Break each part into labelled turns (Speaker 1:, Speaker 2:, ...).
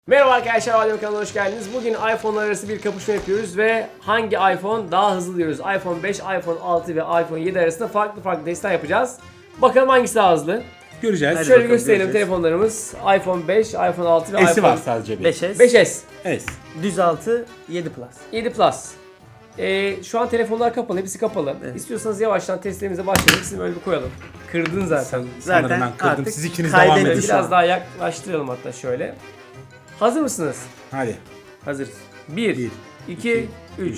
Speaker 1: Merhaba arkadaşlar, Radyo kanalına hoş geldiniz. Bugün iPhone'lar arası bir kapışma yapıyoruz ve hangi iPhone daha hızlı diyoruz. iPhone 5, iPhone 6 ve iPhone 7 arasında farklı testler yapacağız. Bakalım hangisi daha hızlı.
Speaker 2: Göreceğiz.
Speaker 1: Hadi şöyle gösterelim telefonlarımız. iPhone 5, iPhone 6 ve
Speaker 2: S'i
Speaker 1: iPhone
Speaker 2: var sadece bir.
Speaker 3: 5S,
Speaker 1: 5S,
Speaker 2: S.
Speaker 3: düz 6, 7 Plus.
Speaker 1: 7 Plus. Şu an telefonlar kapalı, hepsi kapalı.
Speaker 3: Evet.
Speaker 1: İstiyorsanız yavaştan testlerimize başlayalım. İkisini böyle bir koyalım. Kırdın zaten.
Speaker 2: Sanırım
Speaker 3: Zaten
Speaker 2: ben kırdım.
Speaker 3: artık
Speaker 2: Siz ikiniz
Speaker 3: kaydetti
Speaker 2: devam edin.
Speaker 3: şu
Speaker 1: Biraz
Speaker 3: an.
Speaker 1: daha yaklaştıralım hatta şöyle. Hazır mısınız?
Speaker 2: Hadi.
Speaker 1: Hazırız. 1,
Speaker 2: Bir,
Speaker 1: 2, 3.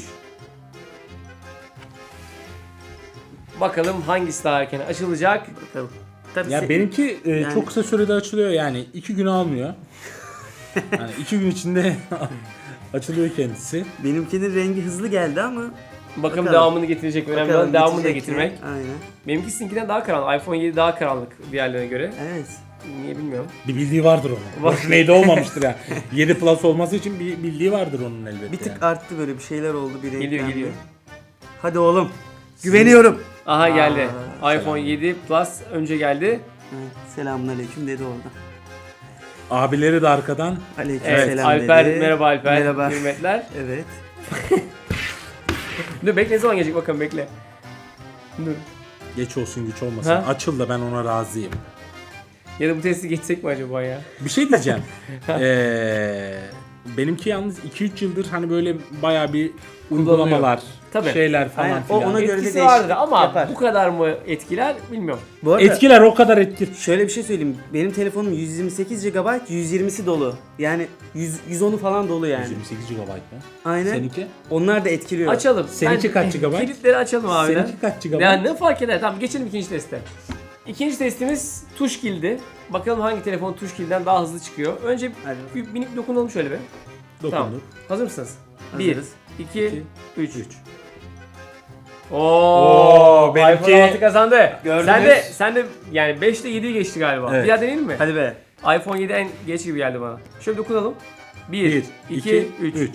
Speaker 1: Bakalım hangisi daha erken açılacak.
Speaker 3: Bakalım. Tabii
Speaker 2: Ya benimki
Speaker 3: yani-
Speaker 2: çok kısa sürede açılıyor yani. 2 gün almıyor. Yani 2 gün içinde açılıyor kendisi.
Speaker 3: benimkinin rengi hızlı geldi ama
Speaker 1: Bakalım
Speaker 3: Bakalım.
Speaker 1: devamını getirecek mi? Önemli
Speaker 3: bakalım
Speaker 1: olan devamını da
Speaker 3: geçecek mi?
Speaker 1: getirmek.
Speaker 3: Aynen.
Speaker 1: Benimki sizinkinden daha karanlık. iPhone 7 daha karanlık diğerlerine göre.
Speaker 3: Evet.
Speaker 1: Niye bilmiyorum.
Speaker 2: Bir bildiği vardır onun.
Speaker 1: Var.
Speaker 2: Boşuna 7 olmamıştır ya. 7 Plus olması için bir bildiği vardır onun elbette.
Speaker 3: Bir tık
Speaker 2: yani.
Speaker 3: arttı, böyle bir şeyler oldu, bir renklendi.
Speaker 1: Geliyor.
Speaker 3: Hadi oğlum. Güveniyorum.
Speaker 1: Aha geldi.
Speaker 3: Aa,
Speaker 1: iPhone 7 Plus önce geldi.
Speaker 3: Evet, selamünaleyküm dedi orada.
Speaker 2: Abileri de arkadan.
Speaker 3: Aleyküm
Speaker 1: Evet,
Speaker 3: selam
Speaker 1: Alper,
Speaker 3: dedi.
Speaker 1: merhaba Alper.
Speaker 3: Merhaba.
Speaker 1: Hürmetler.
Speaker 3: Evet.
Speaker 1: Dur bekle, ne zaman gelecek bakalım, bekle. Dur.
Speaker 2: Geç olsun güç olmasın.
Speaker 1: Ha?
Speaker 2: Açıl da ben ona razıyım.
Speaker 1: Ya da bu testi geçsek mi acaba ya?
Speaker 2: Bir şey diyeceğim. Benimki yalnız 2-3 yıldır hani böyle bayağı bir uygulamalar,
Speaker 1: Tabii.
Speaker 2: şeyler falan
Speaker 3: Aynen,
Speaker 2: filan.
Speaker 3: ona göre de
Speaker 1: Etkisi
Speaker 3: değişiklik
Speaker 1: vardır ama
Speaker 3: yapar.
Speaker 1: bu kadar mı etkiler bilmiyorum.
Speaker 3: Bu arada
Speaker 2: Etkiler o kadar etkili.
Speaker 3: şöyle bir şey söyleyeyim. Benim telefonum 128 GB, 120'si dolu. Yani 110'u falan dolu yani.
Speaker 2: 128 GB mı?
Speaker 3: Aynen.
Speaker 2: Seninki?
Speaker 3: Onlar da etkiliyor.
Speaker 1: Açalım.
Speaker 2: Seninki kaç GB?
Speaker 1: Kilitleri açalım abi.
Speaker 2: Seninki kaç GB?
Speaker 1: Yani ne fark eder? Tamam, geçelim ikinci teste. İkinci testimiz tuş kilidi. Bakalım hangi telefon tuş kiliden daha hızlı çıkıyor. Önce
Speaker 3: Hadi.
Speaker 1: bir minik dokunalım şöyle bir. Tamam.
Speaker 2: Dokunduk.
Speaker 1: Hazır mısınız?
Speaker 3: Hazırız.
Speaker 1: 1, 2, 3.
Speaker 2: 3.
Speaker 1: Oo,
Speaker 2: benimki-
Speaker 1: iPhone 6 kazandı.
Speaker 3: Gördünüz.
Speaker 1: Sen de yani 5 ile 7'yi geçti galiba.
Speaker 2: Evet.
Speaker 1: Bir daha deneyelim mi?
Speaker 3: Hadi be.
Speaker 1: iPhone 7 en geç gibi geldi bana. Şöyle dokunalım. 1,
Speaker 2: 1,
Speaker 1: 2, 3.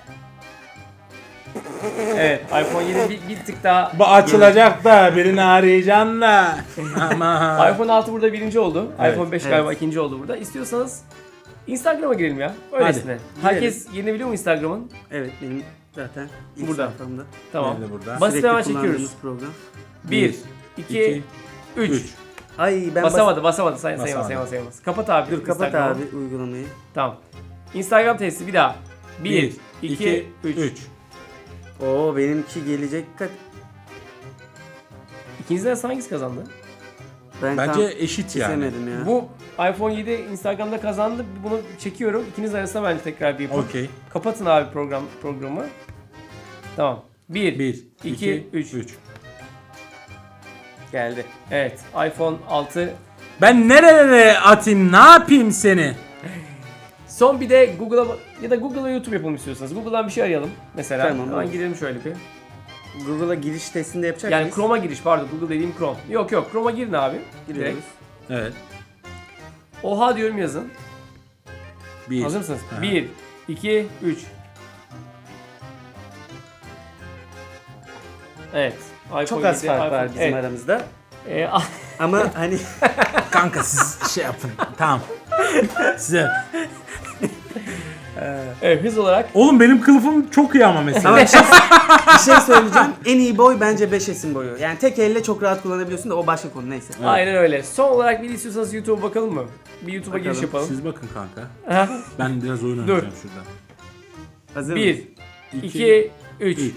Speaker 1: Evet, iPhone 7 bir tık daha...
Speaker 2: Bu açılacak da birini arayacaksın da. Ama.
Speaker 1: iPhone 6 burada birinci oldu.
Speaker 2: Evet,
Speaker 1: iPhone 5
Speaker 3: evet.
Speaker 1: galiba ikinci oldu burada. İstiyorsanız Instagram'a girelim ya. Öylesine. Herkes yerini biliyor mu Instagram'ın?
Speaker 3: Evet, benim zaten ilk
Speaker 1: Burada.
Speaker 3: sayfamda.
Speaker 1: Tamam.
Speaker 2: Nerede burada?
Speaker 1: Basit hemen
Speaker 3: Sürekli
Speaker 1: çekiyoruz.
Speaker 3: kullandığımız program.
Speaker 1: 1, 2, 3.
Speaker 2: 3.
Speaker 3: Ay ben
Speaker 1: Basamadı. Sayamaz.
Speaker 2: Basamadı.
Speaker 1: Kapat abi.
Speaker 3: Dur kapat
Speaker 1: Instagram'ı.
Speaker 3: abi uygulamayı.
Speaker 1: Tamam. Instagram testi bir daha. 1, 2, 3.
Speaker 3: Oo, benimki gelecek kat.
Speaker 1: İkinizden hangisi kazandı?
Speaker 3: Ben
Speaker 2: Bence
Speaker 3: tam
Speaker 2: eşit yani.
Speaker 3: kesemedim ya.
Speaker 1: Bu iPhone 7 Instagram'da kazandı. Bunu çekiyorum. İkiniz arasında bence tekrar bir yapın.
Speaker 2: Okey.
Speaker 1: Kapatın abi programı. Tamam. 1,
Speaker 2: 1,
Speaker 1: 2, 3.
Speaker 3: geldi.
Speaker 1: Evet. iPhone 6.
Speaker 2: Ben nerelere atayım? Ne yapayım seni?
Speaker 1: Son bir de Google'a ya da Google'a YouTube yapalım istiyorsanız. Google'dan bir şey arayalım mesela.
Speaker 3: Tamam,
Speaker 1: Hemen
Speaker 3: olur.
Speaker 1: girelim şöyle bir.
Speaker 3: Google'a giriş testinde yapacak
Speaker 1: Yani
Speaker 3: mıyız?
Speaker 1: Chrome'a giriş, pardon, Google dediğim Chrome. Yok Chrome'a girin abi.
Speaker 3: Giriyoruz.
Speaker 1: Direkt.
Speaker 2: Evet.
Speaker 1: Oha diyorum, yazın.
Speaker 2: 1.
Speaker 1: Hazır mısınız?
Speaker 2: Ha.
Speaker 1: 1, 2, 3. Evet. iPhone
Speaker 3: Çok az
Speaker 1: 7,
Speaker 3: fark var
Speaker 1: iPhone-
Speaker 3: bizim
Speaker 1: evet.
Speaker 3: aramızda.
Speaker 1: Ee,
Speaker 3: Ama hani
Speaker 2: Kanka siz şey yapın. Tamam. Size.
Speaker 1: evet, hız olarak
Speaker 2: Oğlum benim kılıfım çok iyi ama mesela.
Speaker 3: ama bir şey söyleyeceğim. En iyi boy bence 5S'in boyu. Yani tek elle çok rahat kullanabiliyorsun da o başka konu, neyse.
Speaker 1: aynen öyle. Son olarak bir de istiyorsanız YouTube'a bakalım mı? Bir YouTube'a
Speaker 3: Bakalım.
Speaker 1: giriş yapalım.
Speaker 2: Siz bakın kanka.
Speaker 1: Aha.
Speaker 2: Ben biraz oyun
Speaker 1: Dur.
Speaker 2: oynayacağım şurada.
Speaker 3: Hazır mıyız?
Speaker 1: 1, 2, 3.
Speaker 2: 3.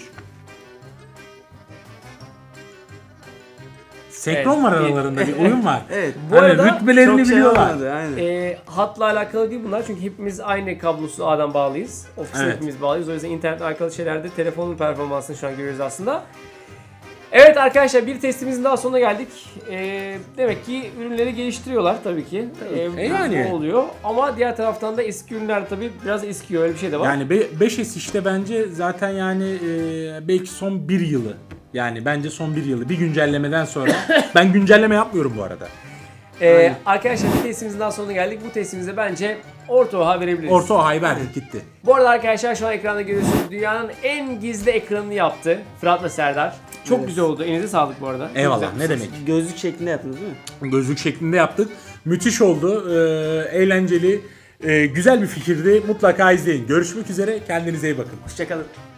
Speaker 2: Senkron
Speaker 1: Evet,
Speaker 2: var
Speaker 1: bir-
Speaker 2: aralarında, bir oyun var.
Speaker 3: Evet.
Speaker 1: Bu
Speaker 2: Hani
Speaker 1: arada
Speaker 2: rütbelerini
Speaker 3: Çok şey
Speaker 2: biliyorlar.
Speaker 3: olmadı, aynen.
Speaker 1: Hatla alakalı değil bunlar, çünkü hepimiz aynı kablosuz ağdan bağlıyız. Ofiste
Speaker 2: Evet.
Speaker 1: hepimiz bağlıyız. O yüzden internetle alakalı şeylerde telefonun performansını şu an görüyoruz aslında. Evet arkadaşlar, bir testimizin daha sonuna geldik. Demek ki ürünleri geliştiriyorlar tabii ki.
Speaker 2: Yani.
Speaker 1: Bu oluyor. Ama diğer taraftan da eski ürünler tabii biraz eskiyor, öyle bir şey de var.
Speaker 2: Yani 5S işte bence zaten yani belki son bir yılı. Yani bence son bir yılı. Bir güncellemeden sonra. Ben güncelleme yapmıyorum bu arada.
Speaker 1: Arkadaşlar, bir testimizin daha sonuna geldik. Bu testimizde bence orta oha verebiliriz.
Speaker 2: Orta Ohay verdik gitti.
Speaker 1: Bu arada arkadaşlar, şu an ekranda görüyorsunuz, dünyanın en gizli ekranını yaptı Fırat'la Serdar. Çok
Speaker 3: Evet.
Speaker 1: güzel oldu. Elinize sağlık bu arada. Çok
Speaker 2: Eyvallah,
Speaker 1: güzel.
Speaker 2: ne demek.
Speaker 3: Gözlük şeklinde yaptınız değil mi?
Speaker 2: Gözlük şeklinde yaptık. Müthiş oldu. Eğlenceli. Güzel bir fikirdi. Mutlaka izleyin. Görüşmek üzere. Kendinize iyi bakın.
Speaker 1: Hoşçakalın.